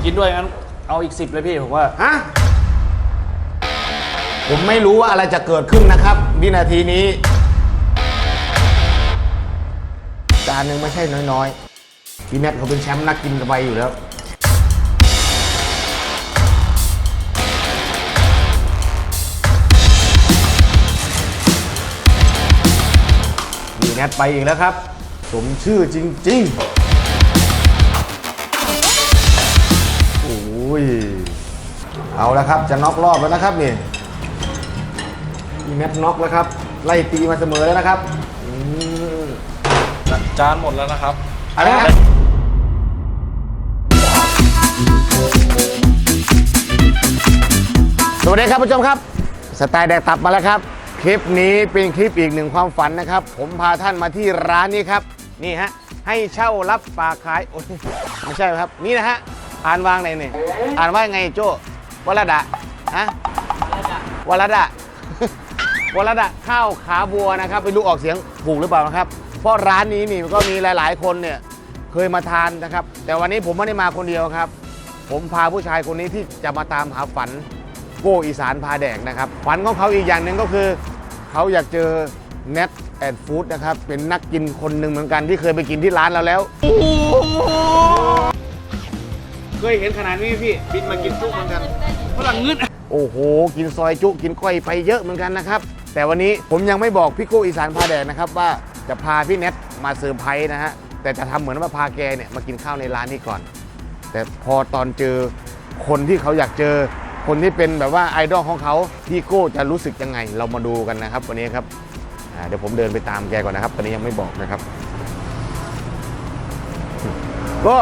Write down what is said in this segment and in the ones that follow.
กินด้วยงั้นเอาอีก10เลยพี่ผมว่าฮะผมไม่รู้ว่าอะไรจะเกิดขึ้นนะครับวินาทีนี้จานหนึ่งไม่ใช่น้อยๆพี่แมทเขาเป็นแชมป์นักกินกระไบอยู่แล้วพี่แมทไปอีกแล้วครับสมชื่อจริงๆโอ้ยเอาแล้วครับจะน็อกรอบแล้วนะครับนี่พี่แมทน็อกแล้วครับไล่ตีมาเสมอแล้วนะครับจานหมดแล้วนะครับอะไรนะสวัสดีครับผู้ชมครับสไตล์แดกตับมาแล้วครับคลิปนี้เป็นคลิปอีกหนึ่งความฝันนะครับผมพาท่านมาที่ร้านนี้ครับนี่ฮะให้เช่ารับฝากขายโอ้ยไม่ใช่ครับนี่นะฮะอ่านวางไหนเนี่ยอ่านว่าไงโจ้วรดะฮะวรดะวรดะข้าวขาบัวนะครับไม่รู้ออกเสียงถูกหรือเปล่านะครับเพราะร้านนี้นี่ก็มีหลายๆคนเนี่ยเคยมาทานนะครับแต่วันนี้ผมไม่ได้มาคนเดียวครับผมพาผู้ชายคนนี้ที่จะมาตามหาฝันโก้อีสานพาแดกนะครับฝันของเขาอีกอย่างหนึ่งก็คือเขาอยากเจอเน็ตแอนด์ฟู้ดนะครับเป็นนักกินคนหนึ่งเหมือนกันที่เคยไปกินที่ร้านเราแล้วเคยเห็นขนาดนี้พี่บินมากินจุเหมือนกันฝรั่งงึดโอ้โหกินซอยจุกินก้อยไปเยอะเหมือนกันนะครับแต่วันนี้ผมยังไม่บอกพี่โก้อีสานพาแดกนะครับว่าจะพาพี่เน็ตมาเซอร์ไพรส์นะฮะแต่จะทำเหมือนว่าพาแกเนี่ยมากินข้าวในร้านนี้ก่อนแต่พอตอนเจอคนที่เขาอยากเจอคนที่เป็นแบบว่าไอดอลของเขาพี่โก้จะรู้สึกยังไงเรามาดูกันนะครับวันนี้ครับเดี๋ยวผมเดินไปตามแกก่อนนะครับตอนนี้ยังไม่บอกนะครับก็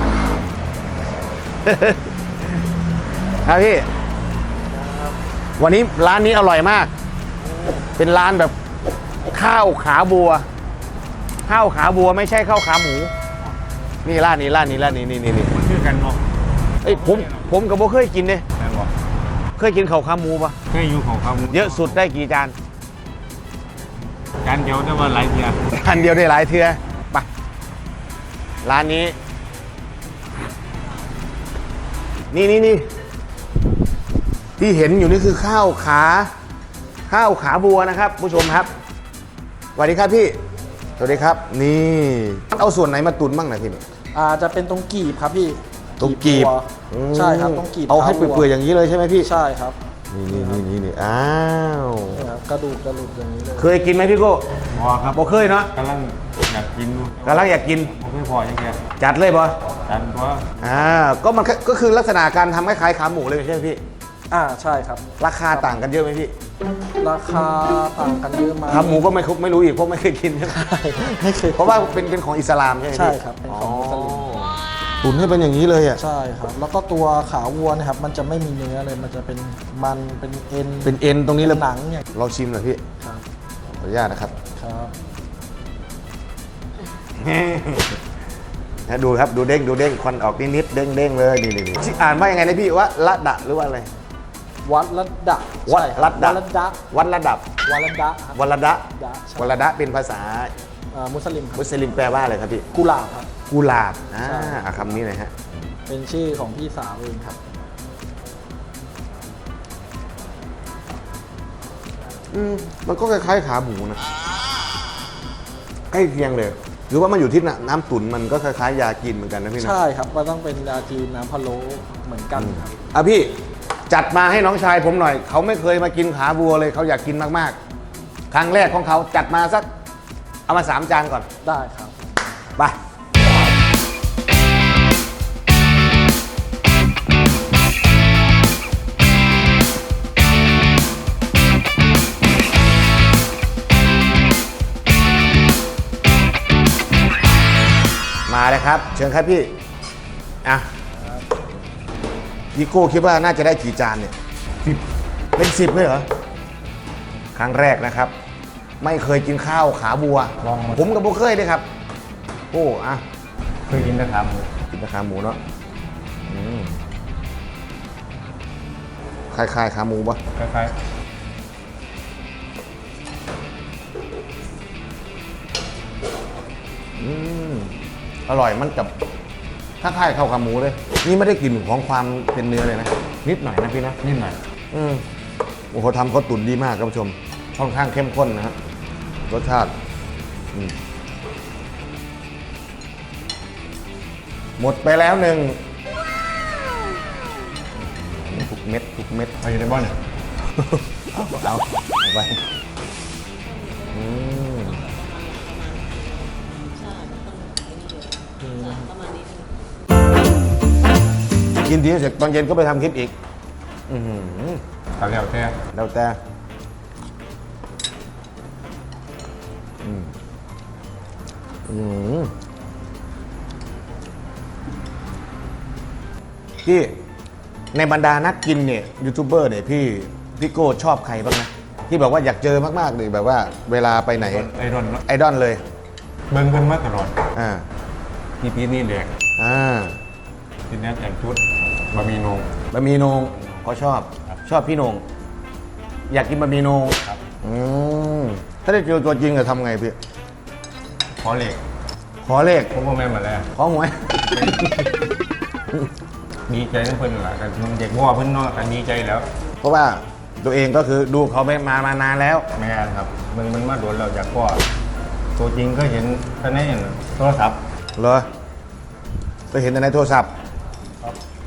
ครับพี่วันนี้ร้านนี้อร่อยมากเป็นร้านแบบข้าวขาบัวข้าวขาบัวไม่ใช่ข้าวขาหมูนี่ร้านนี้นี่มันชื่อกันเนาะเอ้ยผมกับโบเคยกินเลยเคยกินข้าวขาหมูปะเคยอยู่ของเขาเยอะสุดได้กี่จานจานเดียวได้ว่าหลายเทียจานเดียวได้หลายเทื่อไปร้านนี้นี่ที่เห็นอยู่นี่คือข้าวขาบัวนะครับผู้ชมครับสวัสดีครับพี่สวัสดีครับนี่เอาส่วนไหนมาตุนบ้างนะพี่นี่จะเป็นตรงกีบครับพี่ตรงกีบใช่ครับตรงกีบเอาให้เปื่อยๆอย่างนี้เลยใช่ไหมพี่ใช่ครับนี่อ้าวกระดูกอย่างนี้เลยเคยกินไหมพี่โก้พอครับบ่เคยเนาะกำลังอยากกินผมไม่พอยังไงจัดเลยบ่จัดว่าก็มันก็คือลักษณะการทำคล้ายๆขาหมูเลยใช่ไหมพี่ใช่ครับราคาต่างกันเยอะไหมพี่ราคาต่างกันเยอะมากขาหมูก็ไม่รู้อีกเพราะไม่เคยกินไม่เคยเพราะว่าเป็นของอิสลามใช่ไหมใช่ครับเป็นของอิสลามตุ๋นให้เป็นอย่างนี้เลยอ่ะใช่ครับแล้วก็ตัวขาวัวนะครับมันจะไม่มีเนื้อเลยมันจะเป็นเป็นเอ็นตรงนี้เลยหนังเนี่ยเราชิมหน่อยพี่ครับขออนุญาตนะครับดูครับดูเด้งควันออกนิดเด้งเลยนี่อ่านว่ายังไงนะพี่ว่าละดะหรือว่าอะไรวัดละดะวัดละดะวัดละดับวัดละดะวัดละดะวัดละดะเป็นภาษามุสลิมแปลว่าอะไรครับพี่กุหลาบครับกุหลาบคำนี้หน่อยฮะเป็นชื่อของพี่สาวเองครับมันก็คล้ายๆขาหมูนะใกล้เคียงเลยหรือว่ามันอยู่ที่น้ำตุ๋นมันก็คล้ายๆยาจีนเหมือนกันนะพี่นะใช่ครับมันต้องเป็นยาจีนน้ำพะโล้เหมือนกันครับพี่จัดมาให้น้องชายผมหน่อยเขาไม่เคยมากินขาบัวเลยเขาอยากกินมากๆครั้งแรกของเขาจัดมาสักเอามา3 จานก่อนได้ครับไปมาเลยครับเชิญครับพี่พี่โก้คิดว่าน่าจะได้กี่จานเนี่ย10เป็น10เลยเหรอครั้งแรกนะครับไม่เคยกินข้าวขาบัวผมกับโบเคยด้วยครับโอ้เคยกินแต่ขาหมูเนาะคล้ายๆขาหมูปะคล้ายอร่อยมันกับถ้าค่ายเข้ากับหมูเลย นี่ไม่ได้กลิ่นของความเป็นเนื้อเลยนะ นิดหน่อยนะพี่นะนิดหน่อยโอ้โหทำเขาตุ๋นดีมากครับผู้ชม ค่อนข้างเข้มข้นนะฮะรสชาติหมดไปแล้วหนึ่งทุกเม็ดทุกเม็ดไปอยู่ในบ้านเนี่ยเอาไปกินดีเสร็จตอนเย็นก็ไปทำคลิปอีกตัดแล้วแค่แล้วแต่พี่ในบรรดานักกินเนี่ยยูทูบเบอร์เนี่ยพี่โก้ชอบใครบ้างนะที่บอกว่าอยากเจอมากๆเลยแบบว่าเวลาไปไหนไอรอนไอดอลเลยเบิ้งเพิ่นมาตลอดอ่าพี่พีนี่แดกพี่แนทแต่งชุดบะหมี่นงบะหมี่โหนงเขาชอบครับชอบพี่โหนงอยากกินบะหมี่โหนงครับถ้าได้เจอตัวจริงจะทำไงพี่ขอเหล็กขอเลขผมก็แม่นมาแล้วขอหวยดีใจทั้งเพิ่นแหละกันเด็กว่าเพิ่นเนาะกันดีใจแล้วเพราะว่าตัวเองก็คือดูเขามานานแล้วแม่นครับมันมาโดนเราอยากก็ตัวจริงก็เห็นท่านในโทรศัพท์เหรอไปเห็นแต่ในโทรศัพท์ครับ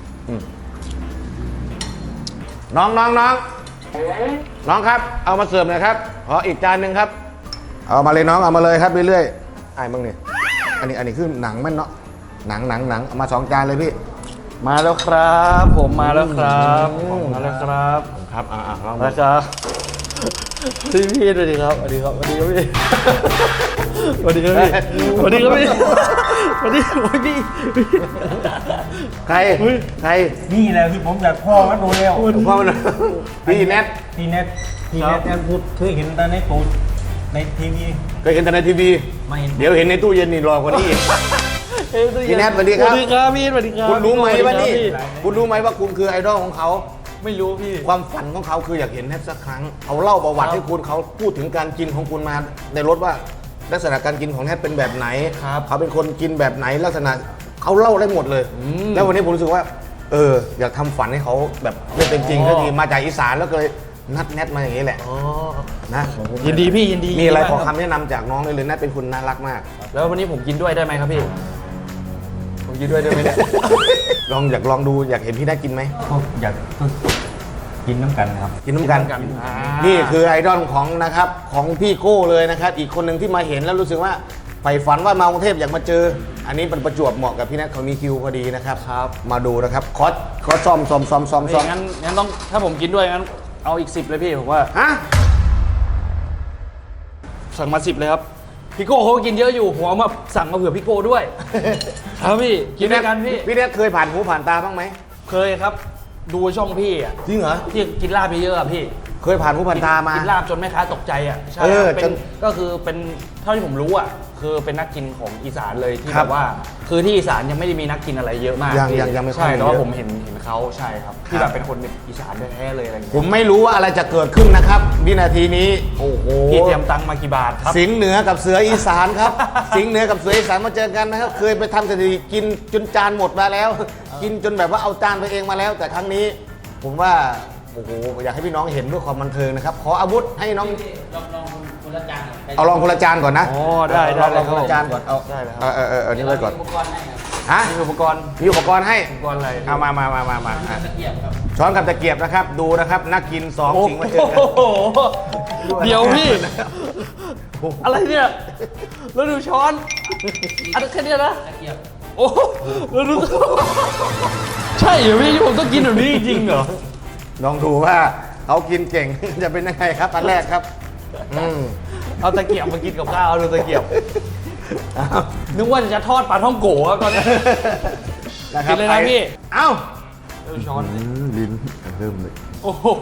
น้องครับ เอามาเสิร์ฟหน่อยครับ ขออีกจานหนึ่งครับ เอามาเลยน้อง เอามาเลยครับเรื่อยๆไอ้มึงนี่อันนี้คือหนังมันเนาะ หนังเอามา2 จานเลยพี่มาแล้วครับผมมาแล้วครับมาแล้วครับครับลองมาครับพี่สวัสดีครับสวัสดีครับสวัสดีครับพี่สวัสดีครับพี่สวัสดีครับพี่สวัสดีพี่ใครนี่แหละที่ผมอยากพ่อมาดูแล้วพ่อมันพี่แนทพี่เน็ตพูดเคยเห็นแต่ในตูดในทีวีเคยเห็นแต่ในทีวีไม่เห็นเดี๋ยวเห็นในตู้เย็นนี่รอกว่านี้อีก พี่แนทสวัสดีครับสวัสดีครับพี่สวัสดีครับคุณรู้ไหมว่านี่พี่คุณรู้ไหมว่าคุณคือไอดอลของเขาไม่รู้พี่ความฝันของเขาคืออยากเห็นแนทสักครั้งเขาเล่าประวัติให้คุณเขาพูดถึงการกินของคุณมาในรถว่าลักษณะการกินของแนทเป็นแบบไหนครับเขาเป็นคนกินแบบไหนลักษณะเขาเล่าได้หมดเลย แล้ววันนี้ผมรู้สึกว่าอยากทำฝันให้เขาแบบเป็นจริงก็ดีมาจากอีสานแล้วก็เลยนัดแนทมาอย่างนี้แหละอ๋อนะยินดีพี่ยินดีมีอะไรขอมากคำแนะนำจากน้องเลยแนทเป็นคนน่ารักมากแล้ววันนี้ผมกินด้วยได้ไหมครับพี่ผมกินด้วยได้ไหมเนี่ยอยากลองดูอยากเห็นพี่แนทกินไหมอยากกินน้ำกันครับกินน้ำกัน นี่คือไอดอลของนะครับของพี่โก้เลยนะครับ อีกคนหนึ่งที่มาเห็นแล้วรู้สึกว่าใฝ่ฝันว่ามากรุงเทพอยากมาเจอ อันนี้เป็นประจวบเหมาะกับพี่แนทเขามีคิวพอดีนะครับมาดูนะครับคอสซ่อมงั้นต้องถ้าผมกินด้วยงั้นเอาอีก10เลยพี่ผมว่าฮะสั่งมา10เลยครับพี่โก้เขาก็กินเยอะอยู่ผมเอามาสั่งมาเผื่อพี่โก้ด้วย ครับพี่กินด้วยกันพี่พี่แนทเคยผ่านหูผ่านตาบ้างไหมเคยครับ ดูช่องพี่อ่ะจริงเหรอที่กินลาบเยอะๆอะพี่เคยผ่านหูผ่านตามากินลาบจนแม่ค้าตกใจอ่ะใช่เออเป็จนนก็คือเป็นเท่าที่ผมรู้อ่ะคือเป็นนักกินของอีสานเลยที่ครัแบบ บว่า คือที่อีสานยังไม่ได้มีนักกินอะไรเยอะมากยังพี่ยังไม่ค่อยใช่แต่ว่าเยอะผมเห็นเขาใช่ครับที่แบบเป็นคนอีสานแท้ๆเลยอะไรอย่างผเงี้ยมไม่รู้ว่าอะไรจะเกิดขึ้นนะครับวินาทีนี้โอ้โหพี่เตรียมตังค์มากี่บาทครับสิงห์เหนือกับเสืออีสานครับ สิงห์เหนือกับเสืออีสานมาเจอกันนะครับ เคยไปทำสถิติกินจนจานหมดมาแล้ว กินจนแบบว่าเอาจานไปเองมาแล้ว แต่ครั้งนี้ ผมว่าโอ้โหอยากให้พี่น้องเห็นด้วยความบันเทิงนะครับ ขออาวุธให้น้องเอาลองคนละจานก่อนนะอ๋อได้ลองคนละจานก่อนเอาได้เลยครับเอานี่ไว้ก่อนฮะมีอุปกรณ์มีอุปกรณ์ให้อุปกรณ์อะไรเอามาช้อนกับตะเกียบนะครับ ดูนะครับนักกินสองสิงห์มาเจอกันโอ้โหเดี๋ยวพี่ อะไรเนี่ย แล้วดูช้อน อันแค่เนี้ยนะโอ้โหแล้วดูใช่เหรอพี่ผมต้องกินแบบนี้จริงๆเหรอลองดูว่าเขากินเก่ง จะเป็นยังไงครับอันแรกครับเอาตะเกียบมากินกับข้าวเอาดูตะเกียบนึกว่าจะทอดปลาท่องโกะตอนนี้ กินเลยนะพี่เอ้าดูช้อนลิ้นเริ่มเลยโอ้โห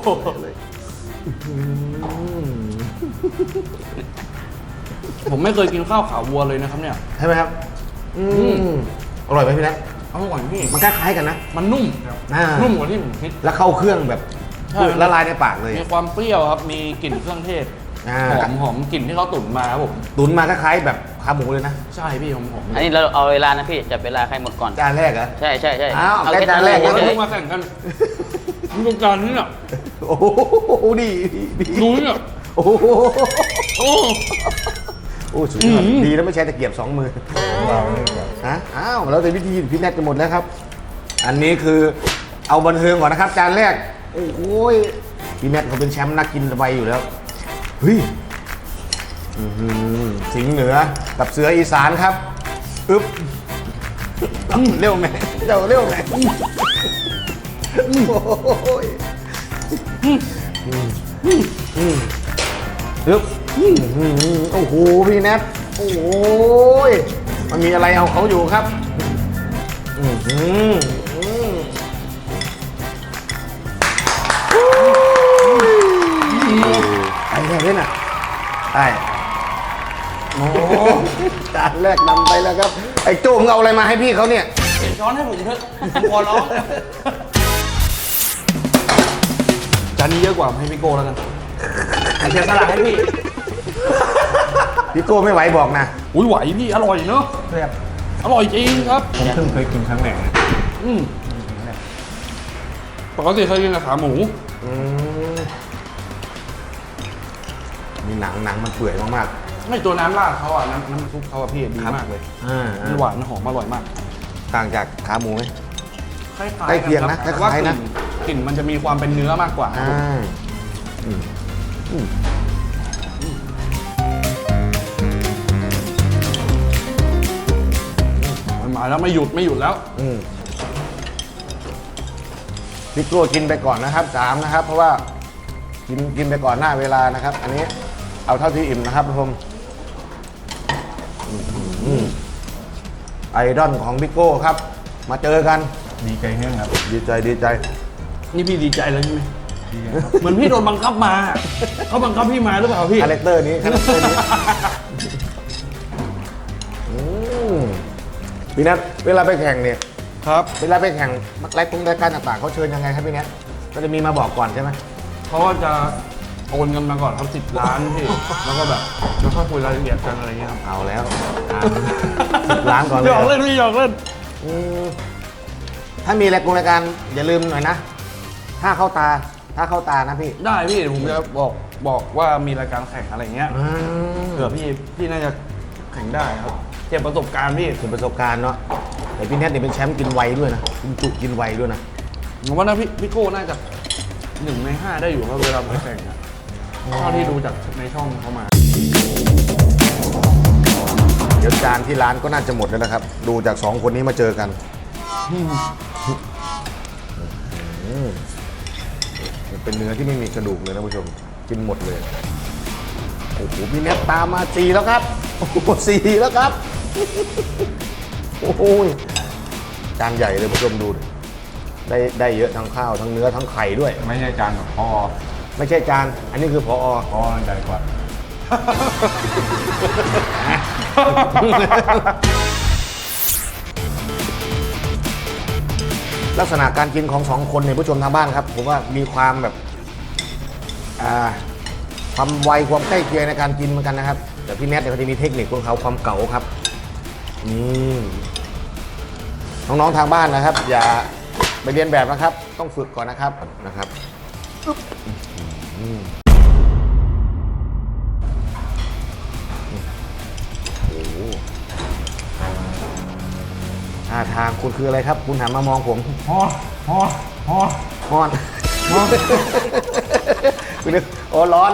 ผมไม่เคยกินข้าวขาวัวเลยนะครับเนี่ยใช่ไหมครับอร่อยไหมพี่นัทอร่อยพี่มันคล้ายๆกันนะมันนุ่ม นุ่มกว่าที่ผมคิดแล้วเข้าเครื่องแบบใช่ละลายในปากเลยมีความเปรี้ยวครับ มีกลิ่นเครื่องเทศหอมกลิ่นที่เขาตุ๋นมาครับผมตุ๋นมาคล้ายๆแบบขาหมูเลยนะใช่พี่หอมอันนี้เราเอาเวลานะพี่จับเวลาใครหมดก่อนจานแรกเหรอใช่ใช่ใช่อ้าวเอาแค่แค่จานแรกเฉแล้วยพวกมาแข่งกันดูจานนี้เนี่ยโอ้โหดีดูเนี่ยโอ้โหโอ้โอ้สุดยอดดีแล้วไม่ใช้ตะเกียบสองมือของเราเนี่ยแบบฮะอ้าวแล้วแต่วิธีพี่แนทจะหมดแล้วครับ อันนี้คือเอาบันเทิงก่อนนะครับ จานแรกโอ้โหพี่แนทเขาเป็นแชมป์นักกินสบายอยู่แล้วเฮ้ยอื้อหือสิงห์เหนือกับเสืออีสานครับอึ๊บเร็วไหมเร็วไหมโอ้ยอึ๊บโอ้โหพี่แนทโอ้ยมันมีอะไรเอาเขาอยู่ครับไอ้แค่นี้น่ะไอ้โอ้จานแรกนำไปแล้วครับ ไอ้โจ้มึงเอาอะไรมาให้พี่เขาเนี่ยเปลี่ยนช้อนให้ผมเถอะผมขอร้องจานนี้เยอะกว่าให้พี่โก้แล้วกันเสียสละให้พี่พี่โก้ไม่ไหวบอกนะอุ้ยไหวพี่อร่อยเนอะแซ่บอร่อยจริงครับผมเพิ่งเคยกินครั้งแรกนะปกติเคยกินแต่ขาหมูมีหนังมันเปื่อยมากไม่ตัวน้ำราดเขาอ่ะน้ำซุปเขาอ่ะพี่ดีมากเลยๆมันหวานหอมอร่อยมากต่างจากขาหมูไหมคล้ายๆใกล้เคียงนะแต่คล้ายๆนะกลิ่นมันจะมีความเป็นเนื้อมากกว่า มันมาแล้วไม่หยุดแล้วพี่โก้กินไปก่อนนะครับ3นะครับ เพราะว่ากินไปก่อนหน้าเวลานะครับ อันนี้เอาเท่าที่อิ่มนะครับทุกคนไอดอลของพี่โก้ครับ มาเจอกันดีใจแห้งครับดีใจนี่พี่ดีใจแล้วใช่ไหมดีใจครับเหมือนพี่โดนบังคับมา เขาบังคับพี่มาหรือเปล่าพี่คาแรคเตอร์นี้พี่นัทเวลาไปแข่งเนี่ยครับเวลาไปแข่งรายการต่างๆเขาเชิญยังไงครับพี่นัทก็จะมีมาบอกก่อนใช่ไหมเขาก็จะโอนเงินมาก่อนครับ10 ล้านพี่ แล้วก็แบบแล้วค่อยคุยรายละเอียดกันอะไรเงี้ยครับเอาแล้ว10 ล้านก่อนเลยหยอกเล่นพี่หยอกเล่นถ้ามีรายการอย่าลืมหน่อยนะ ถ้าเข้าตานะพี่ได้พี่ผมจะบอกว่ามีรายการแข่งอะไรเงี้ยเผื่อพี่น่าจะแข่งได้ครับเก็บประสบการณ์พี่เป็นประสบการณ์เนาะแต่พี่แนทเนี่ยเป็นแชมป์กินไวด้วยนะกินจุกินไวด้วยนะผมว่านะพี่โก้น่าจะ1 ใน 5ได้อยู่ครับเวลาไปแข่งอะเท่าที่ดูจากในช่องเขามาเดี๋ยวจานที่ร้านก็น่าจะหมดแล้วนะครับ ดูจาก2คนนี้มาเจอกันเป็นเนื้อที่ไม่มีกระดูกเลยนะผู้ชมกินหมดเลยโอ้โหพี่แนทตามมา4แล้วครับโอ้โห4แล้วครับโอ้โหจานใหญ่เลยผู้ชมดูดิได้เยอะทั้งข้าวทั้งเนื้อทั้งไข่ด้วยไม่ใช่จานของพ่อไม่ใช่จานอันนี้คือพอพ่อใหญ่กว่าลักษณะการกินของ2คนเนี่ยผู้ชมทางบ้านครับผมว่ามีความแบบความไวความใกล้เคียงในการกินเหมือนกันนะครับ แต่พี่แนทเนี่ยเขาจะมีเทคนิคของเขาความเก๋าครับนี่น้องๆทางบ้านนะครับ อย่าไปเรียนแบบนะครับ ต้องฝึกก่อนนะครับโอ้โหท่าทางคุณคืออะไรครับ คุณหันมามองผมพ่อร้อนคุณนึกโอ้ร้อน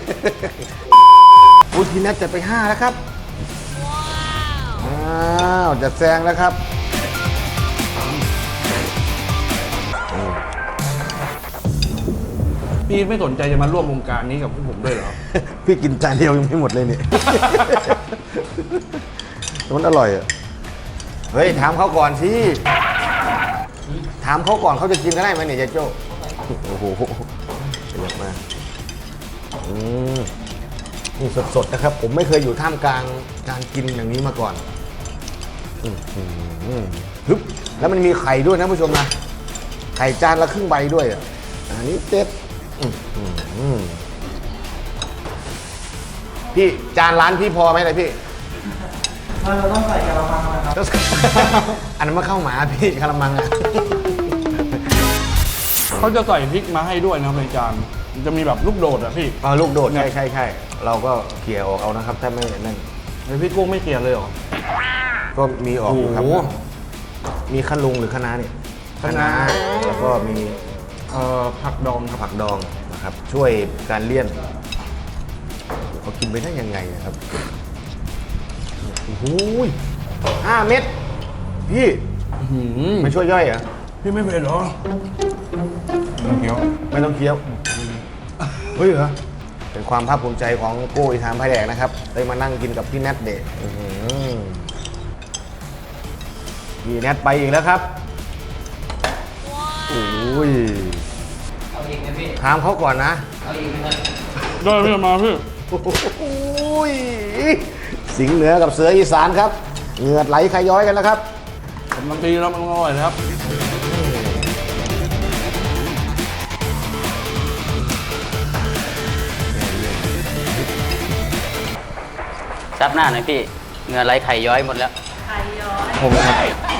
อุทินัทจะไป5แล้วครับว้าวจะแซงแล้วครับพี่ไม่สนใจจะมาร่วมวงการนี้กับพวกผมด้วยเหรอพี่กินจานเดียวยังไม่หมดเลยเนี่ย มันอร่อยอ่ะ เฮ้ย ถามเขาก่อนสิ ถามเขาก่อนเขาจะกินก็ได้ไหมเนี่ยเจ๊โจ้โอ้โหเยอะมากนี่สดๆนะครับ ผมไม่เคยอยู่ท่ามกลางการกินอย่างนี้มาก่อนฮึบแล้วมันมีไข่ด้วยนะผู้ชมนะ ไข่จานละครึ่งใบด้วยอ่ะอันนี้เต็ดพี่จานร้านพี่พอไหมเลยพี่เราต้องใส่กระมังนะครับอันนั้นมาเข้าหมาพี่กระมังอ่ะเขาจะใส่พริกมาให้ด้วยนะครับในจานมันจะมีแบบลูกโดดอะพี่ลูกโดดใช่ใช่ใช่เราก็เขี่ยออกเอานะครับ ถ้าไม่นั่นไอพี่กุ้งไม่เกลียดเลยเหรอก็มีออกอยู่ครับโอ้โหมีขนุนหรือคะน้าเนี่ยคะน้าแล้วก็มีผักดองครับผักดองนะครับ ช่วยการเลี่ยนเขากินไปได้ยังไงนะครับโอ้โห5 เม็ดพี่ไม่ช่วยย่อยเหรอพี่ไม่เผ็ดเหรอมันเคี้ยวไม่ต้องเคี้ยวเฮ้ยเหรอเป็นความภาคภูมิใจของโก้อีสานพายแดกนะครับได้มานั่งกินกับพี่แนทเดะพี่แนทไปอีกแล้วครับโอ้ยเอาอีกไหมพี่ถามเขาก่อนนะเอาอีกไหมครับได้พี่มาพี่โอ้ยสิงห์เหนือกับเสืออีสานครับเหงื่อไหลขย้อยกันแล้วครับกำลังดีแล้วมันอร่อยนะครับซับหน้าหน่อยพี่ เหงื่อไหลไข่ย้อยหมดแล้วผมครับ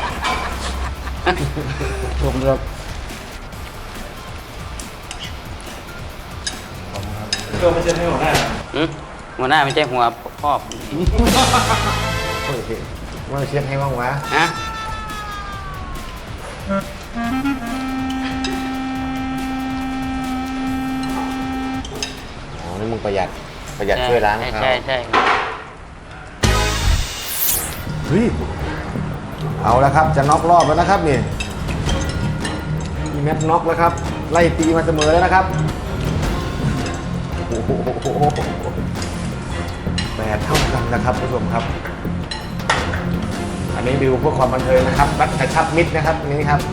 ผมครับตัวไม่ใช่ให้หัวหน้าหัวหน้าไม่ใช่หัวพ่อผมโอเคว่าเช็คให้บ้างวะฮะอ๋อนี่มึงประหยัดช่วยล้างเขาใช่ใช่เฮ้ยเอาแล้วครับจะน็อกรอบแล้วนะครับนี่มีแมตน็อกแล้วครับไล่ตีมาเสมอแล้วนะครับโอ้โห8 เท่ากันนะครับผู้ชมครับ อันนี้ดูเพื่อความบันเทิงนะครับรัดกระชับมิตรนะครับนี่ครับ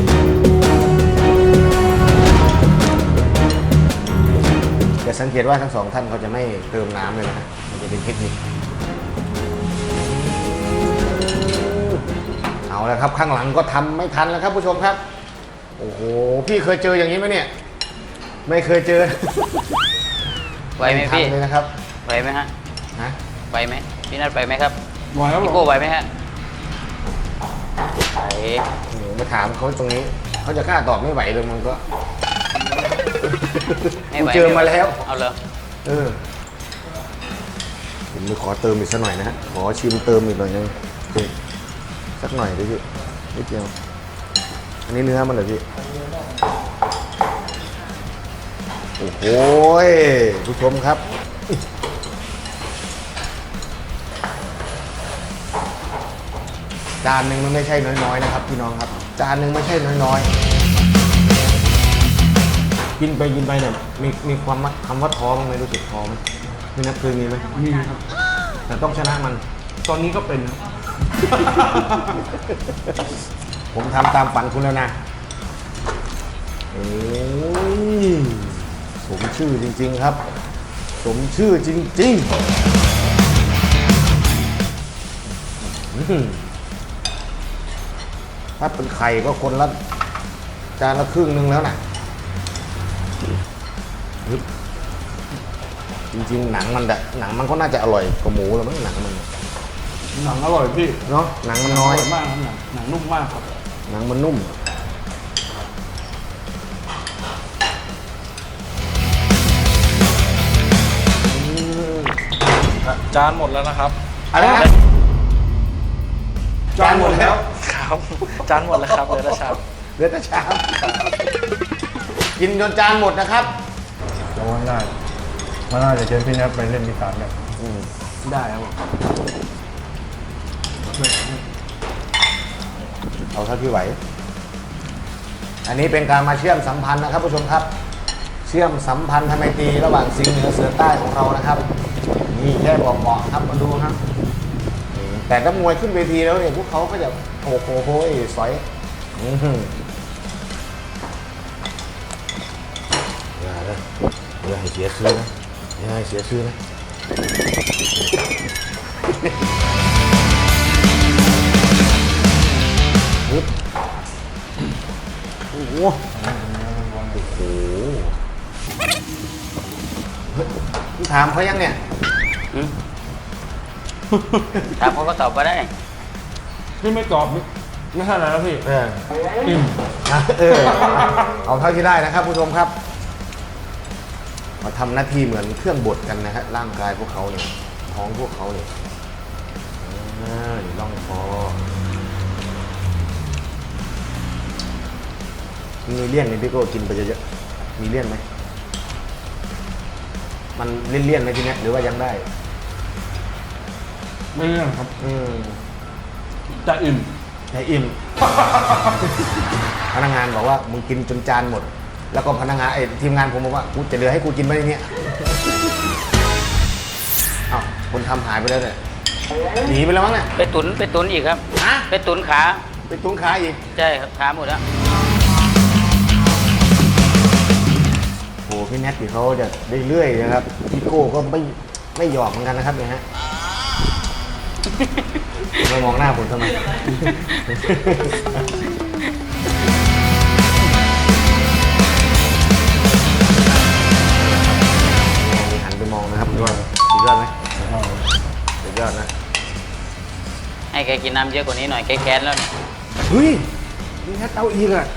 จะสังเกตว่าทั้งสองท่านเขาจะไม่เติมน้ำเลยนะมันจะเป็นเทคนิคเอาแล้วครับข้างหลังก็ทำไม่ทันแล้วครับผู้ชมครับโอ้โหพี่เคยเจออย่างนี้ไหมเนี่ยไม่เคยเจอไหวไหมพี่ทันเลยนะครับไหวไหมฮะนะไหวไหมพี่นัทไหวไหมครับไหวครับพี่ผโก้มไหวไหมฮะไหวโอ้โหมาถามเขาตรงนี้เขาจะกล้าตอบไม่ไหวเลยมันก็ไม่ไหวกูเจอมาแล้วเอาเลยเออผมไปขอเติมอีกสักหน่อยนะฮะขอชิมเติมอีกหน่อยนึงโอเคสักหน่อยดิพี่นิดเดียวอันนี้เนื้อมันเหรอพี่โอ้โหผู้ชมครับจานหนึ่งมันไม่ใช่น้อยๆนะครับพี่น้องครับจานหนึ่งไม่ใช่น้อยๆกินไปเนี่ยมีความคำว่าท้อมั้ยไม่รู้สึกท้อไหมไม่นับเคยมีไหมมีครับแต่ต้องชนะมันตอนนี้ก็เป็นผมทำตามฝันคุณแล้วนะโอ้ยสมชื่อจริงๆครับ สมชื่อจริงๆถ้าเป็นไข่ก็คนละจานละครึ่งนึงแล้วนะฮึบจริงๆหนังมันก็น่าจะอร่อยกว่าหมูแล้วมั้งหนังมันหนังอร่อยพี่เนาะหนังมันน้อยร่มากครับหนังนุ่มมากครับหนังมันนุ่มจานหมดแล้วนะครับอะไรนะจานหมดแล้วครับ จานหมดแล้วครับเหลือแต่ชามเหลือแต่ชามกินจนจานหมดนะครับเราว่าน่ามันน่าจะเชิญพี่แนทไปเล่นอีสานเนี่ยได้ครับผมเอาเท่าที่ไหว อันนี้เป็นการมาเชื่อมสัมพันธ์นะครับผู้ชมครับ เชื่อมสัมพันธ์ทำไมตรีระหว่างสิงห์เหนือเสือใต้ของเรานะครับนี่แค่บอกเหมาะครับมาดูครับแต่ถ้ามวยขึ้นเวทีแล้วเนี่ยพวกเขาก็จะโอ้โหสอยอย่าให้เสียชื่อนะอย่าให้เสียชื่อนะปึ๊บโอ้โหเฮ้ยถามเขายังเนี่ยหืมถามเขาก็ตอบมาได้นี่ไม่กรอบไม่ใช่อะไรนะพี่ อิ่มเอาเท่าที่ได้นะครับผู้ชมครับมาทำหน้าที่เหมือนเครื่องบดกันนะฮะร่างกายพวกเขาเนี่ยท้องพวกเขาเนี่ยล่องคอมีเลี่ยนไหมพี่โก้กินไปเยอะๆมีเลี่ยนไหมมันเลี่ยนๆไหมทีเนี้ยหรือว่ายังได้ไม่เรื่องครับจะอิ่มไอ้อิ่ม พนักงานบอกว่ามึงกินจนจานหมด แล้วก็พนักงานทีมงานผมบอกว่ากูจะเหลือให้กูกินไหมเนี่ยอ้าวคนทำหายไปแล้วเนี่ยหนีไปแล้วมั้งเนี่ยไปตุนอีกครับฮะไปตุนขาไปตุ้งขาอีกใช่ครับขาหมดแล้วโหพี่แนทที่เขาจะเรื่อยๆนะครับพี่โก้ก็ไม่หยอกเหมือนกันนะครับเนี่ยฮะมามองหน้าผมทำไม หันไปมองนะครับว่าสุดยอดไหมสุดยอดนะให้แกกินน้ำเยอะกว่านี้หน่อยแกแค้นแล้วเนี่ยเฮ้ยนี่แค่เต้าอีกอ่ะ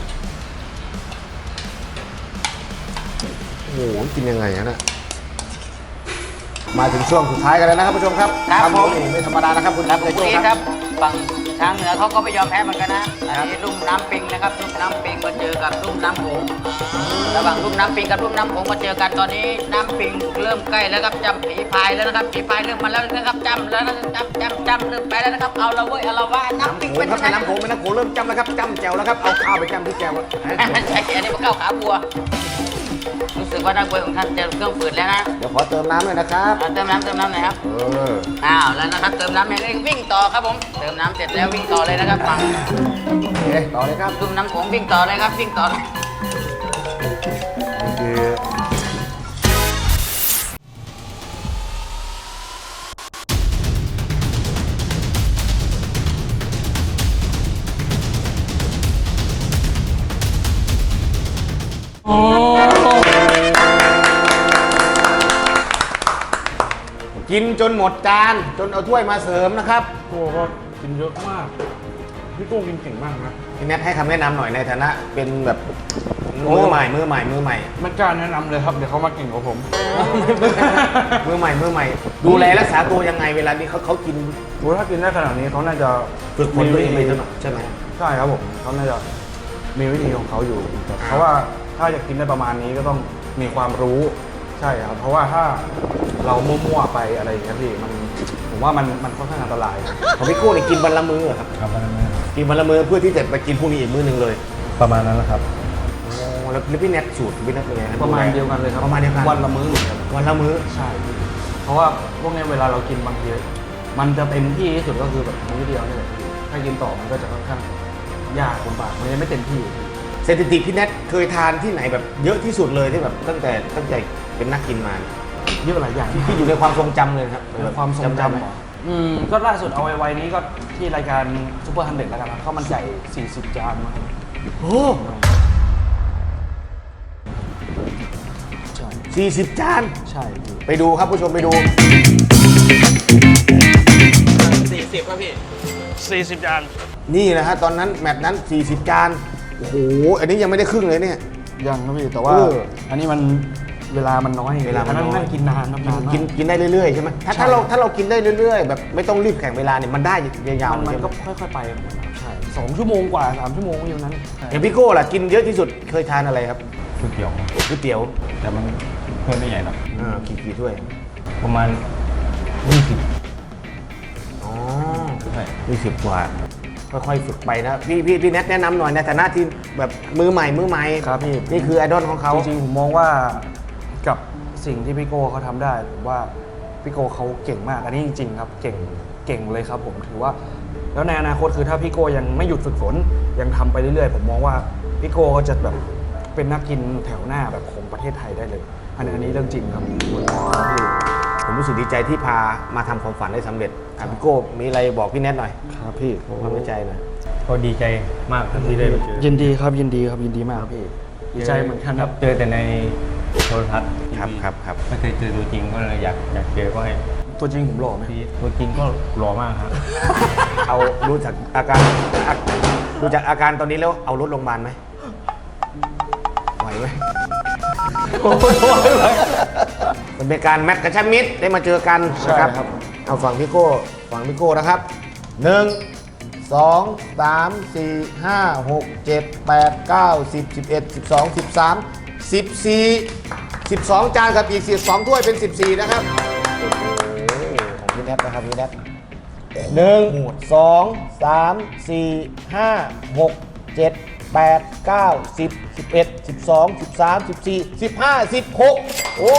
โอ้โหกินยังไงฮะน่ะมาถึงช่วงสุดท้ายกันแล้วนะครับผู้ชมครับครับผมนี่ไม่ธรรมดานะครับคุณครับเจผมโจ้นี่คครัรับ บฝั่งทางเหนือเขาก็ไม่ยอมแพ้เหมือนกันนะอันนี้ลุ่มน้ำปิงนะครับลุ่มน้ำปิงมาเจอกับลุ่มน้ำโขงระหว่างลุ่มน้ำปิงกับลุ่มน้ำโขงมาเจอกันตอนนี้น้ำปิงเริ่มใกล้แล้วครับจำผีพายแล้วนะครับผีพายเริ่มมาแล้วนะครับจำแล้วนะครับจำเริ่มไปแล้วนะครับเอาละเว้ยเอาละว่าน้ำปิงโขเป็งนครับยังไงน้ำโขงเป็นน้ำโขงเริ่มจำแล้วครับจำแจวแล้วครับเอาข้าวไปจำที่แจวอะใช่อันนี้มันเข้าขาบัวรู้สึกว่านักมวยของท่านจะเครื่องฝืดแล้วนะเดี๋ยวขอเติมน้ำเลยนะครับเติมน้ำหน่อยครับ อ้าวแล้วนะครับเติมน้ำอย่างนี้วิ่งต่อครับผมเติมน้ำเสร็จแล้ววิ่งต่อเลยนะครับฝั่งโอเคต่อเลยครับลุ่มน้ำโขงวิ่งต่อเลยครับวิ่งต่อเลยนี่คือกินจนหมดจานจนเอาถ้วยมาเสริมนะครับโก้ก็กินเยอะมาก พี่โก้กินเก่งมากนะพี่แนทให้คำแนะนำหน่อยในฐานะเป็นแบบมือใหม่ไม่กล้าแนะนำเลยครับ เดี๋ยวเขามาเก่งกว่าผมมือใหม่ ดูแลรักษาตัวยังไงเวลานี้เขากินโอ้ถ้ากินได้ขนาดนี้เขาน่าจะฝึกฝนตัวเองเลยใช่ไหมใช่ครับผมเขาน่าจะมีวิธีของเขาอยู่ เพราะว่าถ้าจะกินได้ประมาณนี้ก็ต้องมีความรู้ใช่ครับเพราะว่าถ้าเรามั่วๆไปอะไรอย่างเงี้ยพี่ผมว่ามันค่อนข้างอันตรายของพี่โก้เนี่ยกินวันละมื้อเหรอครับครับวันนั้นกินวันละมื้อเพื่อที่จะไปกินพรุ่งนี้อีกมื้อหนึ่งเลยประมาณนั้นแหละครับโอ้แล้วพี่แนทสูตรพี่แนทเป็นไงคบประมาณเดียวกันเลยครับประมาณเดียวกันวันละมื้อเหมือนกันวันละมื้อใช่ เพราะว่าพวกเนี้ยเวลาเรากินบางทีมันจะเต็มที่ที่สุดก็คือแบบมื้อเดียวนี่แหละถ้ากินต่อมันก็จะค่อนข้างยากลำบากมันยังไม่เต็มที่สถิติพี่แนทเคยทานที่ไหนแบบเยอะที่สุดเลยที่แบบตั้งแต่เป็นนักกินมาเนี่ยเยอะหลายอย่างที่อยู่ในความทรงจำเลยครับในความทรงได้ไหมจำเหรอก็ล่าสุดเอาไว้นี้ก็ที่รายการซูเปอร์ฮันเด็ดแล้วกันครับข้าวมันไก่40 จานมาโอ้ใช่ 40 จานใช่พี่ไปดูครับผู้ชมไปดู 40 จานนี่นะฮะตอนนั้นแมตช์นั้น 40 จาน โอ้โห อันนี้ยังไม่ได้ครึ่งเลยเนี่ยยังครับพี่แต่ว่าเอออันนี้มันเวลามันน้อยเวลามันน้อยนั่งกินนานครับนานมากกินได้เรื่อยๆใช่ไหมถ้าเรากินได้เรื่อยๆ แบบไม่ต้องรีบแข่งเวลาเนี่ยมันได้ยาวๆมันใช่ไหก็ค่อยๆไปใช่2 ชั่วโมงกว่า 3 ชั่วโมงอยู่นั้นอย่างพี่โก้ล่ะกินเยอะที่สุดเคยทานอะไรครับก๋วยเตี๋ยวก๋วยเตี๋ยวแต่มันเพื่อนไม่ใหญ่หรอกกี่ถ้วยประมาณ20 อ๋อใช่ 20 กว่า ค่อยๆฝึกไปนะพี่แนทแนะนำหน่อยในฐานะที่แบบมือใหม่ครับพี่นี่คือไอดอลของเขาจริงๆผมมองว่ากับสิ่งที่พี่โก้เขาทำได้ผมว่าพี่โก้เขาเก่งมากอันนี้จริงๆครับเก่งเลยครับผมถือว่าแล้วในอนาคตคือถ้าพี่โก้ยังไม่หยุดฝึกฝนยังทำไปเรื่อยๆผมมองว่าพี่โก้ก็จะแบบเป็นนักกินแถวหน้าแบบของประเทศไทยได้เลยอันนี้เรื่องจริงครับพี่ผมรู้สึกดีใจที่พามาทำความฝันได้สำเร็จพี่โก้มีอะไรบอกพี่แนทหน่อยครับพี่ความในใจหน่อยก็ดีใจมากที่ได้มาเจอยินดีครับยินดีมากครับพี่ดีใจเหมือนกันครับเจอแต่ในโทรทัศน์ครับไม่เคยเจอตัวจริงก็เลยอยากเจอก็ให้ตัวจริงผมหล่อไหมพี่ตัวจริงก็หล่อมากครับเอารู้จากอาการดูจากอาการตอนนี้แล้วเอารถโรงพยาบาลไหมไหวไหมมันเป็นการแมตช์กระชับมิตรได้มาเจอกันนะครับเอาฝั่งพี่โก้นะครับ1 2 3 4 5 6 7 8 9 10 11 12 13 14 12 จานกับอีก12ถ้วยเป็น14นะครับโอ้โหของพี่แนทนะครับพี่แนท1 2 3 4 5 6 7 8 9 10 11 12 13 14 15 16โอ้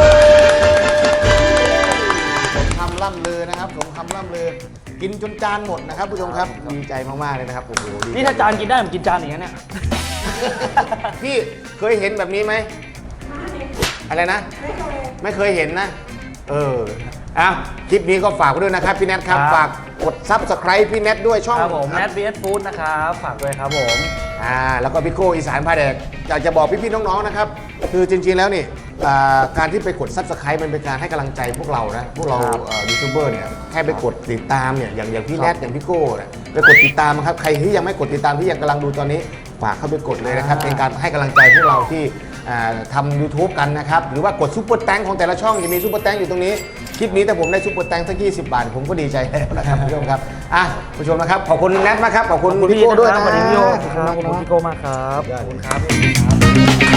สมคำล่ำลือนะครับสมคำล่ำลือกินจนจานหมดนะครับผู้ชมครับดีใจมากๆเลยนะครับโอ้โหดีใจนี่ถ้าจานกินได้ผมกินจานอย่างนี้นเนี่ยพี่เคยเห็นแบบนี้ไหมอะไรนะ ไม่เคยเห็นนะอ่ะคลิปนี้ก็ฝากไว้ด้วยนะครับพี่แนทครับครับฝากกด Subscribe พี่แนทด้วยช่องครับผมแนท BS Food นะครับฝากด้วยครับผมแล้วก็พี่โก้อีสานพาแดกอยากจะบอกพี่ๆน้องๆนะครับคือจริงๆแล้วนี่การที่ไปกด Subscribe มันเป็นการให้กำลังใจพวกเรานะพวกเรายูทูบเบอร์เนี่ยแค่ไปกดติดตามเนี่ยอย่างพี่แนทอย่างพี่โก้เนี่ยไปกดติดตามนะครับใครที่ยังไม่กดติดตามที่ยังกำลังดูตอนนี้ฝากเข้าไปกดเลยนะครับเป็นการให้กำลังใจพวกเราที่ทำ YouTube กันนะครับหรือว่ากดซุปเปอร์แตงของแต่ละช่องจะมีซุปเปอร์แตงอยู่ตรงนี้คลิปนี้ถ้าผมได้ซุปเปอร์แตงสัก20 บาทผมก็ดีใจแล้วนะครับผู้ชมครับผู้ชมนะครับขอบคุณแนทมากครับขอบคุณพี่โก้ด้วยนะสวัสดีพี่โยครับขอบคุณพี่โก้มากครับขอบคุณครับ